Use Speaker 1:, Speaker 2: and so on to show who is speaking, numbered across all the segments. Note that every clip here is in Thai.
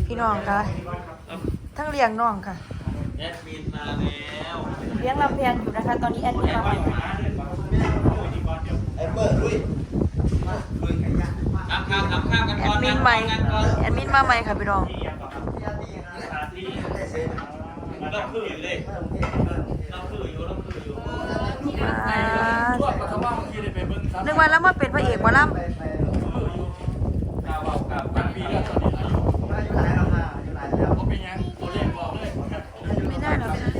Speaker 1: พี่น้องค่ะทั้งเลี้ยงน้องค่ะ
Speaker 2: แอดมินมาแล้ว
Speaker 1: เลี้ยงลำเพียงอยู่นะคะ ตอนนี้แอดมินมาใหม่
Speaker 3: ไอ้เปิดด้วยลุยไก่ย่าง
Speaker 2: ทำข้าวกัน
Speaker 1: แอ
Speaker 2: ก่อ
Speaker 1: ด
Speaker 2: น
Speaker 1: มิน
Speaker 2: นะ
Speaker 1: ใหม่
Speaker 2: กันก่อน
Speaker 1: แอดมินมาใหม่ค่ะพี่น้อง
Speaker 2: เราคืออยู่เลยเราคืออยู่
Speaker 1: นึกว่าแล้วมาเป็นพระเอกหมาล่ำไม่ได้หรอกค่ะ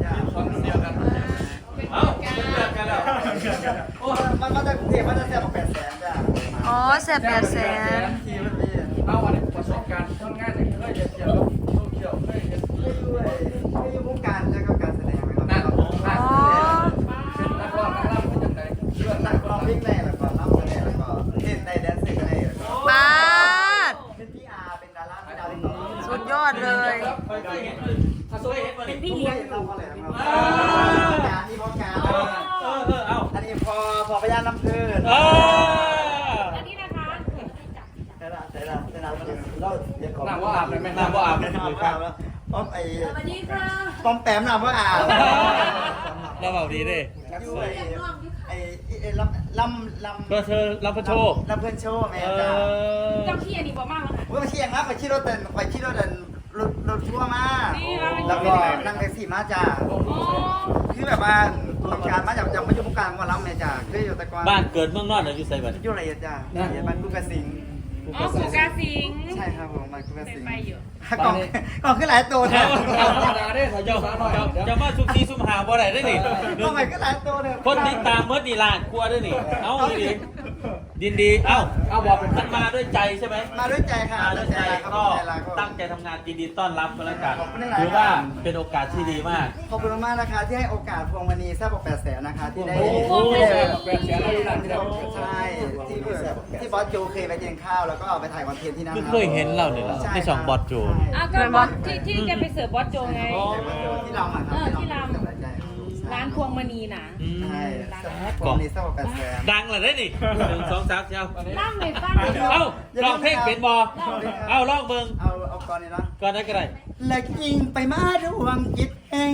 Speaker 2: เอ้าเลิกกันแล้ว
Speaker 3: มันมาจากกรุงเทพมันจะแซ่บกว่า800,000จ้ะ
Speaker 1: อ๋อแสบ800,000
Speaker 3: ทีมันมี
Speaker 4: เอาวันนี้ประสบการณ์ทำงานอย่างเคยเที่ยวท่องเที่ยวเคยเห็น
Speaker 3: ไม่อยู่วงการแล้วก็การแสดงนะครับ
Speaker 1: อ๋อ
Speaker 4: เป็นนักร้องนักล่ำเป็นยังไงเรื่องนั
Speaker 3: นั
Speaker 4: ก
Speaker 3: ก
Speaker 4: ร้
Speaker 3: ร้
Speaker 4: อ
Speaker 3: อง งเพลงได้แล้วก็รับแสดงแล้วก็เต้นได้แดนซ์ได้แล้วก็
Speaker 1: ปาด
Speaker 3: เป็นพี่อาร์เป็นดาราเป็นดาวติ๊กต็อก
Speaker 1: สุดยอดเลย
Speaker 2: เป็นพี่เลี้ยง
Speaker 3: เราก็เลยครับการนี่พอการ
Speaker 2: เอา
Speaker 3: อันนี้พอพยานน้ำพื้น
Speaker 5: อันนี้นะคะ
Speaker 3: ใช่ละเราเดี๋ยวขอ
Speaker 4: น้ำว่าอาบเลยไหม
Speaker 2: น้ำบ่อาบ
Speaker 3: น้ำว่าอาบแล้วป้อมไอ้
Speaker 5: สวัสดีค่ะ
Speaker 3: ป้อมแปมน้ำว่าอาบ
Speaker 2: เราเบาดีดิ
Speaker 3: ไอ้ลำ
Speaker 2: ก็เธอรับพระโชค
Speaker 3: ลำเพื่อนโชว์แม่จ้า
Speaker 5: เจ้าขี้อันนี้บอกมากแล้วค่ะ
Speaker 3: ว่าเชียงครับไปขี่รถเดินรถทัวร์มา
Speaker 5: นี่เราเป็น
Speaker 3: แล้วก็นั่งแท็กซี่มาจ้า
Speaker 5: โอ้
Speaker 3: คือแบบว่าต้องการมาจากมาอยู่วงการมาล้ำแม่จ้าคืออยู่แต่ก่อน
Speaker 2: บ้านเกิดเมืองนอกอยู่ไซบัด
Speaker 3: อยู่ไรจ้าอยู่บ้านกุกกระสิง
Speaker 5: อ๋อผูกาสิง
Speaker 3: ใช่ครับผมบ้านกุกกระ
Speaker 5: เคย
Speaker 3: สิง
Speaker 5: ไปอยู่
Speaker 3: กล่องขึ้นหลายตัวนะ
Speaker 4: ธรรมดาได้ขอ
Speaker 2: เจ้า
Speaker 4: เจ้าสาวหน่อย
Speaker 2: จะมาซุกซีซุ่มหาบ่ได้ได้นี่
Speaker 3: กล่องใหม่ขึ้นหลายตัวเลย
Speaker 2: คนติดตามเมื่อนี่ล้านกลัวด้วยนี่ เอ้าดิดีเอ้า
Speaker 4: เอาบอกเป็น
Speaker 2: มันมาด้วยใจใช่ไหม
Speaker 3: มาด้วยใจค่ะ
Speaker 2: มาด้วยใจ
Speaker 3: ครับ
Speaker 2: ก็
Speaker 3: ใจรัก
Speaker 2: ตั้งใจทำงานยินดีต้อนรับกันแล้วกัน
Speaker 3: ขอบคุณหลายๆ
Speaker 2: ถือว่าเป็นโอกาสที่ดีมาก
Speaker 3: ขอบคุณมากนะคะที่ให้โอกาสพวงมณีแซ่บกว่า800,000นะคะที่ได้
Speaker 4: แปดแสนแล้วนั่นที่เรา
Speaker 3: ใช่ที่บอสโจเคยไปกินข้าวแล้วก็เอาไปถ่ายคอนเทนต์ที่นั่น
Speaker 2: คือเคยเห็นเราเนี่ยเหรอที่สองบอสโจ
Speaker 5: อ่ะก็บอสที่แกไปเสิร์ฟบอสโจไง
Speaker 3: ที่เราอ่ะครับ
Speaker 5: ที่รำร้านพวงมณีน่ะ
Speaker 3: ใช่พวงมณีแซ่บกว่า800,000
Speaker 2: ดังเลยได้นี่หนึ่งสองสามเจ้า
Speaker 5: ล่ำไม่ฟัง
Speaker 2: เอ้าลองเพลงเป็นบอเอ้าลองเบิ่ง
Speaker 3: เอาก่อนนี่เนาะ
Speaker 2: ก่อนได้ก็ได้
Speaker 3: และยิงไปมาดวงจิตแห่ง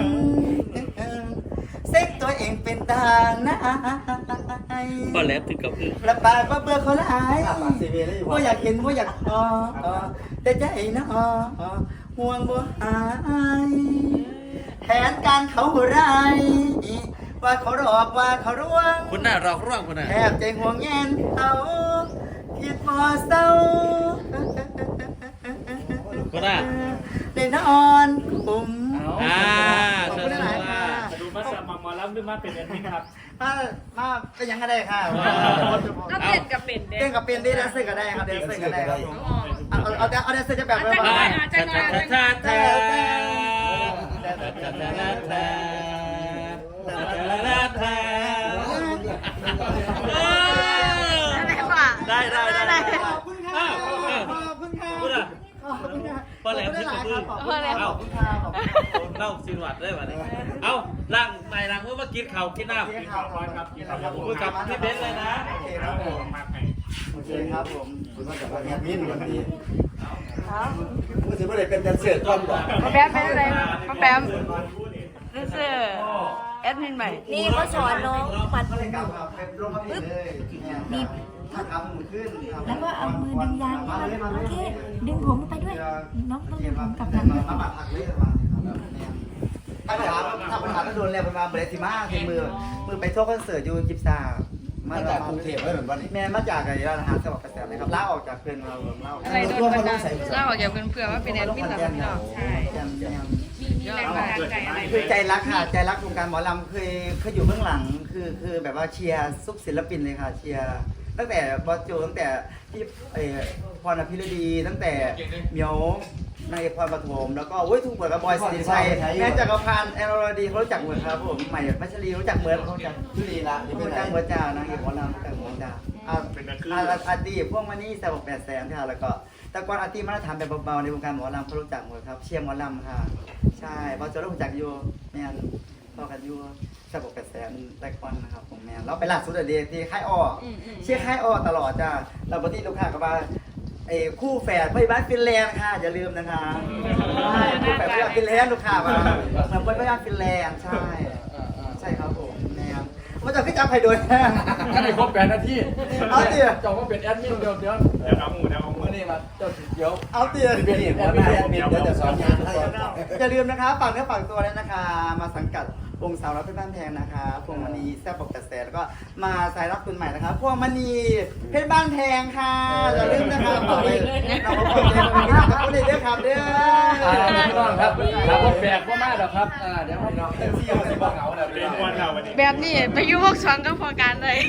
Speaker 3: เซ็กตัวเองเป็นตาหน้า
Speaker 2: ก็แล้วถึงกับอึ้ง
Speaker 3: ระบายว่าเบื่อเขาหลายว่าอยากเห็นว่าอยากแต่ใจนะห่วงบ่หายแทนการเขาไรว่าเขาหลอกว่าเขาร่วง
Speaker 2: คุณน่ะรอกร่วงคุณน่ะ
Speaker 3: แทบใจห่วงแงนเขาคิดพอเศร้า
Speaker 2: คุณน่ะ
Speaker 3: ได้นอนคุ้ม
Speaker 2: อ่า
Speaker 3: ขอบคุณหลายๆค่ะ
Speaker 4: ดูมาสมัครมาแล้วหรือมาเป็นแอดมินครับ
Speaker 3: มาเป็นยังไงได้ค่ะ
Speaker 5: ก็เต้นกับเป็นเด็
Speaker 3: เต้นกับเป็นได้แดนเซอร์ก็ได้ครับแดนเซอร์ก็ได้ครับผมเอาแดนเซอร์จะแบบ
Speaker 2: ชาชาชาชาชาได้ได้ได้
Speaker 3: ขอบคุณค่ะขอบคุณค่ะ
Speaker 2: คุณอ่ะ
Speaker 3: ขอบคุณค่ะ
Speaker 2: พอแล้วที่กระพือ
Speaker 3: ขอบคุณค่ะขอบคุณค่ะขอบคุณ
Speaker 2: เล่าสินวัดได้ป่ะเนี่ยเอาล่างใหม่ล่างเมื่อมากินข้าวกินน้ำ
Speaker 3: ค่ะครับ
Speaker 2: คุยกับพี่เบนซ์เลยนะ
Speaker 3: โอเคครับผมโอเคครับผมคุณมาจากแอดมินวันนี้คุณถือว่าอะไรเป็นแดนเซอร์ต้นก่อน
Speaker 1: มาแปมเป็นอะไรมาแปมรู้สึกแอดมินใหม่ นี่เขาสอนน้องปัด
Speaker 3: ก็เลยกลับมาเป็นลงมาเป็นเลยนี่ถ้าทำมือขึ้น
Speaker 6: แล้วก็เอามือดึงยาง
Speaker 3: มาเลยมา
Speaker 6: โอ
Speaker 3: เลย
Speaker 6: เค ดึงผมไปด้วย น้องต้องดึงผมกลับ
Speaker 3: มา
Speaker 6: มา
Speaker 3: มาผักเลยมาถ้าปัญหาถ้าโดนแล้วมาเบรติมาคือมือไปทัวร์คอนเสิร์ตอยู่จิบซามาจากกรุงเทพไม่เหมือนวันนี้แม่มาจากไอ้ร้านอาหารจังหวัดกระแสเลยครับลาออกจากเพื่อนเราลาออก
Speaker 5: อะไรโดนบันดาลเล่าออกจากเพื่อนๆว่าเป็นแอดมินเหรอพี่น้องใช่มีแรงบันดาลใจอะไร
Speaker 3: คือใจรักค่ะใจรักวงการหมอลำเคยอยู่เบื้องหลังคือแบบว่าเชียร์ซุปศิลปินเลยค่ะเชียร์ตั้งแต่บอสโจตั้งแต่พี่พรอภิรดีตั้งแต่เหมียวนายพรปฐมแล้วก็ทุกเปิดกับบอยสิริชัยแม่จักรพันธ์แอนอรดีเขารู้จักเหมือนครับผมใหม่พัชรีรู้จักเหมือนเขาจักชื่อดีละรู้จักเหมือนจ่านางเอกหมอลำรู้จักเหมือนจ่าอาตีพวกมันนี่แสบ800,000ค่ะแล้วก็แต่ก่อนอาตีมาตรฐานแบบเบาๆในวงการหมอลำเขารู้จักหมดครับเชียร์หมอลำค่ะใช่บอสโจรู้จักอยู่แม่ต่อกันอยู่แสบ800,000แต่ก่อนนะครับผมแม่เราไปล่าสุดเดียที่ค่ายอ้อเชียร์ค่ายอ้อตลอดจ้าเราปกติลูกค้าก็ว่าคู่แฝดไปบ้านฟินแลนด์ค่ะอย่าลืมนะคะใช่คู่แฝดไปบ้านฟินแลนด์ลูกค้ามาเหมือนไปบ้านฟินแลนด์ใช่ใช่ครับผมแนวมันจะขึ้นจับใครโดย
Speaker 4: ถ้าได้ครบ8 นาที
Speaker 3: เอาเตี๋ย
Speaker 4: เจ้าก็เป็นแอดมินเดี๋ยวเอาหมูนี่มาเจ้าเดี๋ยว
Speaker 3: เอาเตี๋ย
Speaker 4: เป็นแอดมินเดี๋ยวจะสอนงานให้
Speaker 3: อย่าลืมนะคะฝากเนื้อฝากตัวเลยนะคะ มาสังกัดวงสาวรับเพชรบ้านแพงนะคะพวงมณีแซ่บบอกกระแสแล้วก็มาสายรับคุณใหม่นะคะพวงมณีเพชรบ้านแพงค่ะอย่าลืมนะคะฝากเลยเราก็ขอบใจคุณพี่นะครับคุณเด้อครับเด้อ
Speaker 4: พี่น้องครับครับผมแบกว่ามากหรอกครับเดี๋ยวพี่น้องเที่ยวที่บ้านเหงาเดี๋ยวพี่น้อง
Speaker 5: แบบนี้ไปอยู่พวกสวงก็พอการเลย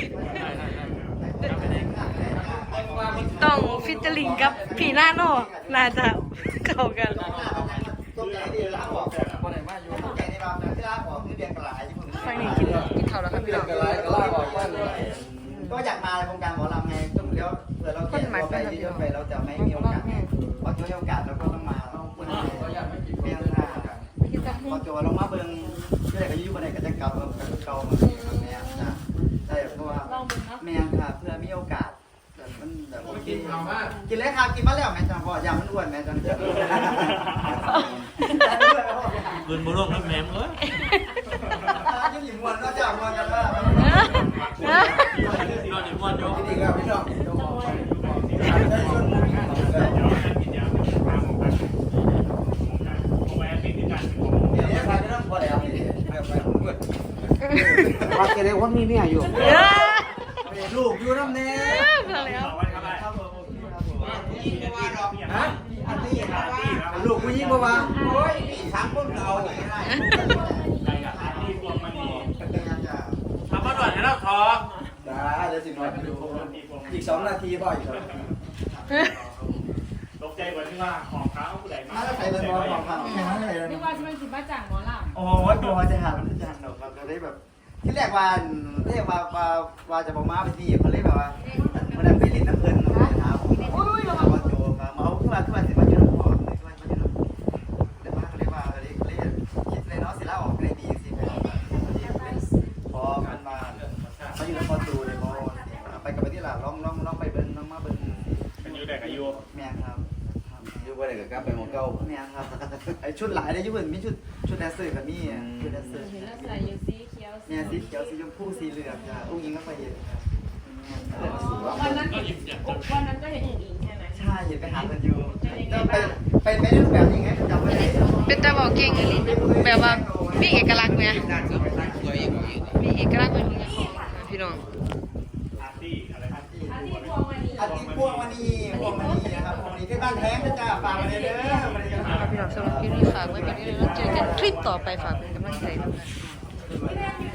Speaker 5: ต้องฟิชเจอริงกับผีหน้าโน่น่าจะเข้ากัน
Speaker 3: ตัวใหญ่ดีแล้วบอกคนไหนมาอยู่ตัวใหญ่ในบ้านที่ร้านบอกคือเดือนกระไรที่ผม
Speaker 5: ฟังนี่กินข้าวแล้วครับพี่น้อง
Speaker 4: กระไรกระลาบอกว่าเลย
Speaker 3: ก็อยากมาในวงการหมอลำไงต้องเลี้ยวเผื่อเราเก่งตัวไปเยอะๆไปเราจะไม่มีโอกาสพอมีโอกาสเราก็ต้องมาคนไหนเมียนหน้าพอโจลงมาเบิ้งที่ไหนก็ยุ่งคนไหนก็จะเก่ามาเนี่ยนะใช่เพราะว่าเมียนค่ะเพื่อมีโอกาสมันแบบกินกินเลยค่ะกินมาแล้วแม่จังพอยามันอ้วนแม่จังเจอ
Speaker 2: ปืนบุรุษนักแหนมเอ้ย
Speaker 3: ยังหยิบมวนก็จะมวนกันว่า
Speaker 2: นอนอยู่มวนอยู่
Speaker 4: ดีครับพี่น้อง
Speaker 3: เนี่ยใครไม่ต้องพอแล้ว
Speaker 4: ว่าแกได้ว่ามีเมียอยู่
Speaker 3: ลูกอยู่น้ำเนี้ย
Speaker 4: ฮะ
Speaker 3: ลูกผู้หญิงปะวะโอ้ยสามคนเก่าอย่างไร
Speaker 2: ทำมาด่วนให้เราทอ
Speaker 4: จ้าเดี๋ยวสิน้อยไปดูอีก2 นาทีพ่ออีก2 นาที
Speaker 7: ตกใจกว่าที่ว่าของเขาผู้ใดมา
Speaker 3: มาแล้วใส่เป็นบอลของเขาอย่างนั้นเลย
Speaker 5: นี่ว่าจะเป็นสิมาจากหมอล
Speaker 3: โอ้ยตัวจะหามันจะหันหนกเราจะได้แบบ ที่แรกว่าเรียกว่าจะบอกมาไปที่เขาเรียกแบบว่ามันได้ไปเล่นน้ำเพลินนะครับโอ้ยเรามาโจมาเอาขึ้นมาสิมาเจอพ่อเลยขึ้นมาเจอเดี๋ยวมาเขาเรียกว่าเขาเรียกคิดเลยเนาะสิล่าออกเลยดีสิพอมันมาอยู่ในพอจูเลยพอไปกับไปที่หลังลองไปเบิ้งน้องมาเบิ้ง
Speaker 7: เป็นยูแดกอายุ
Speaker 3: แม่ครับ
Speaker 4: อยู่ว่าได้กับกลับไปหมองเก่า
Speaker 3: แม่ครับไอชุดหลายได้ยุ่งมีชุดแดนเซอร์กับมี่ชุดแดนเซอร์
Speaker 5: ำเห็นแล้วใส่อยู่สีเขียว
Speaker 3: เนี่ยสีเขียวสีชมพูสีเหลืองจ้ะอุ้งยิงก็ไปเห็นครับ
Speaker 5: วันนั้นก็เห็นอีกใช่ไหม
Speaker 3: ใช่เห็นไปหากันอยู่ไปได้รูปแบบยังไงจำไม่ได้
Speaker 5: เป็นตาบอกเก่งอันนี้แบบว่ามีเอกลักษณ์ไหมมีเอกลักษณ์เป็นพี่น้อง
Speaker 7: อาร์ตี้อะไรครับ
Speaker 3: อาทิตย์พวงมณีนะครับพวงมณีที่บ้านแท้งนะจ๊ะฝากมาเลยเด้อมาเลยจ้ะ
Speaker 5: พี่น้องสำหรับคลิปนี้ฝากไว้เป็นที่แล้วเจอกันคลิปต่อไปฝากเป็นกำลังใจด้วย